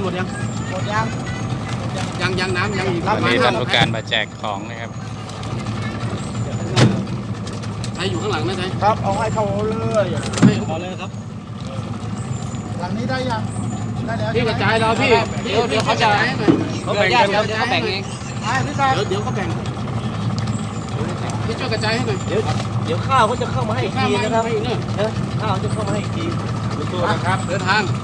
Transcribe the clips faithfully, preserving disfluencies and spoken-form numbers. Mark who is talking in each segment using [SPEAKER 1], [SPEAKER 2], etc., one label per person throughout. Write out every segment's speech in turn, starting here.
[SPEAKER 1] หมดยังหมดยังยังยังน้ำยังอีก
[SPEAKER 2] วันนี้ท่านผู้การมาแจกของนะครับ
[SPEAKER 1] ใครอยู่ข้างหลังนะใช่
[SPEAKER 3] ครับเอาให้เขาเลย
[SPEAKER 1] ให้เขาเลยครับ
[SPEAKER 3] หลังนี้ได้ยังได้แล้ว
[SPEAKER 1] พี่กระจายเราพี่เดี๋ยวเดี๋ยวเขาจะเขาแบ่งกันเขาแบ่งเองเดี๋ยวเดี๋ยวเขาแบ่งพี่ช่วยกระจายให้หน่อย
[SPEAKER 4] เดี๋ยวเดี๋ยวข้าวเขาจะเข้ามาให้อีกทีนะครับข้าวจะเข้ามาให้อีกที
[SPEAKER 1] ตัวนะครับเดินทาง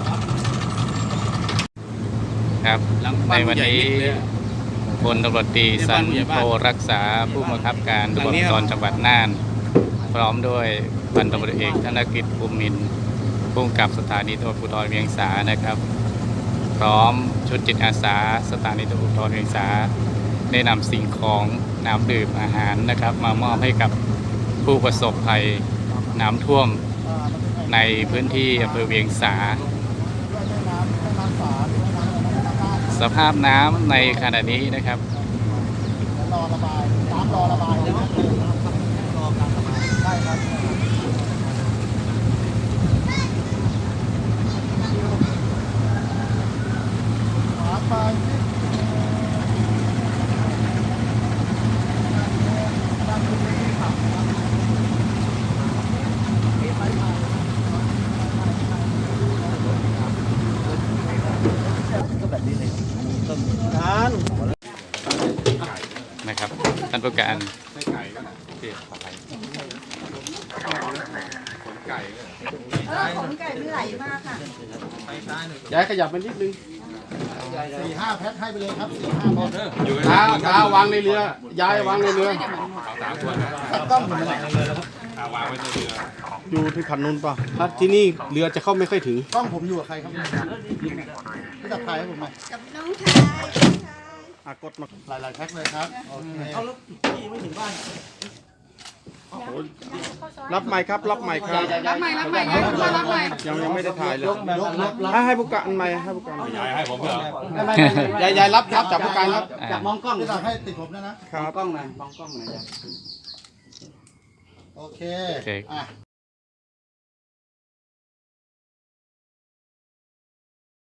[SPEAKER 2] ครับในวันนี้พลตำรวจตรีสันโทรักษาผู้บังคับการตำรวจภูธรจังหวัดน่านพร้อมด้วยพันตำรวจเอกธนกฤษภูมินทร์ผู้กำกับสถานีตำรวจภูธรเวียงสานะครับพร้อมชุดจิตอาสาสถานีตำรวจภูธรเวียงสาได้นำสิ่งของน้ำดื่มอาหารนะครับมามอบให้กับผู้ประสบภัยน้ำท่วมในพื้นที่อำเภอเวียงสาสภาพน้ำในขณะนี้นะครับ
[SPEAKER 3] รอระบายน้ำรอระบายรอการระบายใช่ครับหาไป
[SPEAKER 2] นะครับท่านผู้การ
[SPEAKER 5] ของไก่ไม่ไหลมากค่ะ
[SPEAKER 1] ย้ายขยับไปนิดนึง
[SPEAKER 3] สี่ห้าแพ็คให้ไปเลยครับสี่ห้าพอ
[SPEAKER 1] เท้าเท้าวางในเรือย้ายวางในเรือ
[SPEAKER 3] ต้องเหมือนกัน
[SPEAKER 1] อยู่ที่ขันนู้นป่ะครับที่นี่เรือจะเข้าไม่ค่อยถึง
[SPEAKER 3] กล้องผมอยู่กับใครครับพี่จับถ่ายให้ผมหน่อย
[SPEAKER 5] กับน้องชาย
[SPEAKER 3] อากดมาหลายๆแพ็คเลยครับโอเคเอาแล้วพี่ไม่ถึงบ้าน
[SPEAKER 6] รับใหม่ครับรับใหม่ครับ
[SPEAKER 5] รับใหม่รับใหม่รับใหม่
[SPEAKER 6] ยังยังไม่ได้ถ่ายเลยให้ให้ผู้การใหม่ให้ผู้การ
[SPEAKER 1] ยายให้ผมเหรอยายยายรับรับจากผู้การครับ
[SPEAKER 3] จากมองกล้องที่เราให้ติดผมนะนะครับ
[SPEAKER 1] กล้องหน่อยมองกล้องหน่อย
[SPEAKER 3] โอเคอ่ะ